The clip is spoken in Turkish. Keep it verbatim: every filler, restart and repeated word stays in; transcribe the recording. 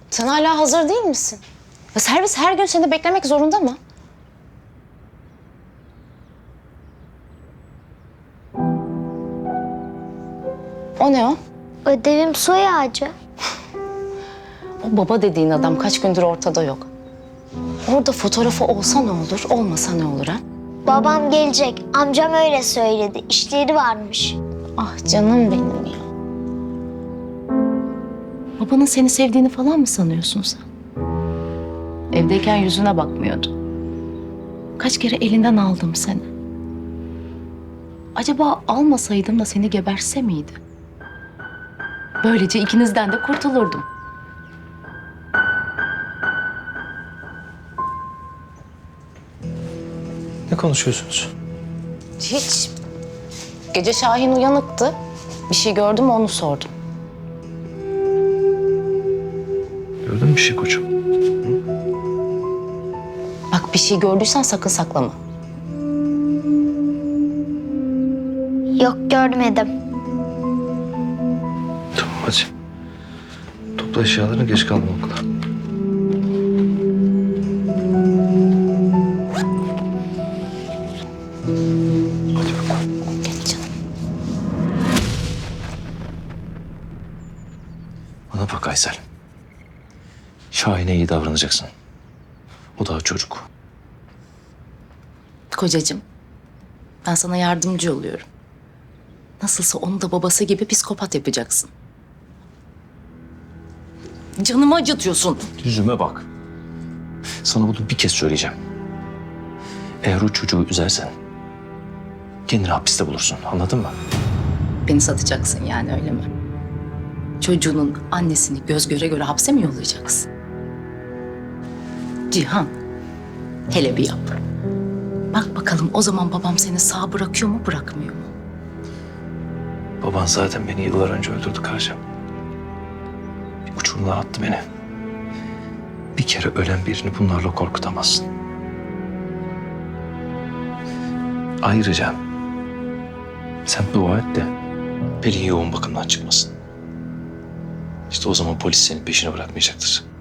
Sen hala hazır değil misin? Ya servis her gün seni beklemek zorunda mı? O ne o? Ödevim soy ağacı. O baba dediğin adam kaç gündür ortada yok. Orada fotoğrafı olsa ne olur, olmasa ne olur ha? Babam gelecek. Amcam öyle söyledi. İşleri varmış. Ah canım benim ya. Babanın seni sevdiğini falan mı sanıyorsun sen? Evdeyken yüzüne bakmıyordu. Kaç kere elinden aldım seni. Acaba almasaydım da seni geberse miydi? Böylece ikinizden de kurtulurdum. Ne konuşuyorsunuz? Hiç. Gece Şahin uyanıktı. Bir şey gördüm mü onu sordum. Gördün mü bir şey koçum? Bak bir şey gördüysen sakın saklama. Yok görmedim. Tamam hadi. Topla eşyalarını, geç kalma okula. Hadi bakalım. Gel canım. Bana bak Aysel. Şahin'e iyi davranacaksın. O daha çocuk. Kocacığım, ben sana yardımcı oluyorum. Nasılsa onu da babası gibi psikopat yapacaksın. Canımı acıtıyorsun. Yüzüme bak. Sana bunu bir kez söyleyeceğim. Eğer o çocuğu üzersen kendini hapiste bulursun. Anladın mı? Beni satacaksın yani öyle mi? Çocuğunun annesini göz göre göre hapse mi yollayacaksın? Cihan, hele bir yap. Bak bakalım o zaman babam seni sağ bırakıyor mu bırakmıyor mu? Baban zaten beni yıllar önce öldürdü Karcığım. Bir uçurumdan attı beni. Bir kere ölen birini bunlarla korkutamazsın. Ayrıca sen dua et de Pelin yoğun bakımdan çıkmasın. İşte o zaman polis senin peşine bırakmayacaktır.